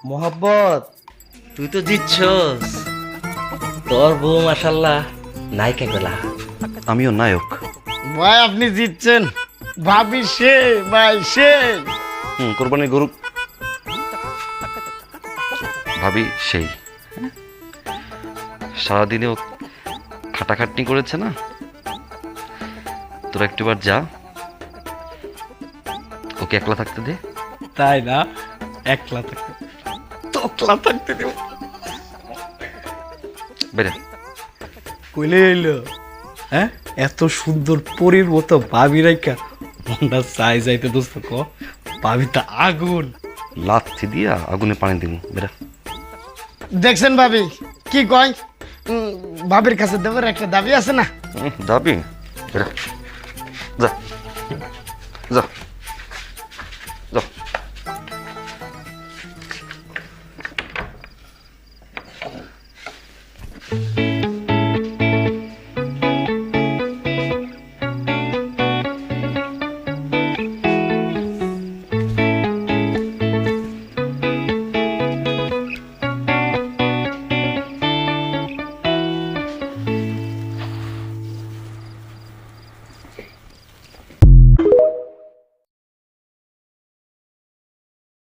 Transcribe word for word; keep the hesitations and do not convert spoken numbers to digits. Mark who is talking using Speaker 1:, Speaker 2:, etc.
Speaker 1: মোহাব্বত তুই তো জিতছস। তোর বউ মাশাল্লাহ নায়িকা গলা।
Speaker 2: আমিও নায়ক।
Speaker 3: ভাই আপনি জিতছেন, ভাবি সে ভাই সে।
Speaker 2: হুম কোরবানির গরু ভাবি সেই সারাদিনেও খাটাখাটনি করেছে না। তোরা একটুবার যা, ওকে একলা থাকতে দে।
Speaker 3: তাই না? একলা থাকতে তোকলা থাকতে দেব।
Speaker 2: বেরে
Speaker 3: কইলে এলো হ্যাঁ, এত সুন্দর পরীর মতো ভাবি রাইকা মনটা চাই যাইতে দোস্ত ক। ভাবি তা আগুন।
Speaker 2: লাথি দিয়া আগুনে পানি দিব। বেরা
Speaker 3: দেখছেন ভাবি কি কয়, উম, ভাবির কাছে দেবার একটা দাবি আছে না।
Speaker 2: হুম, যাবি? বেরা যা যা যা।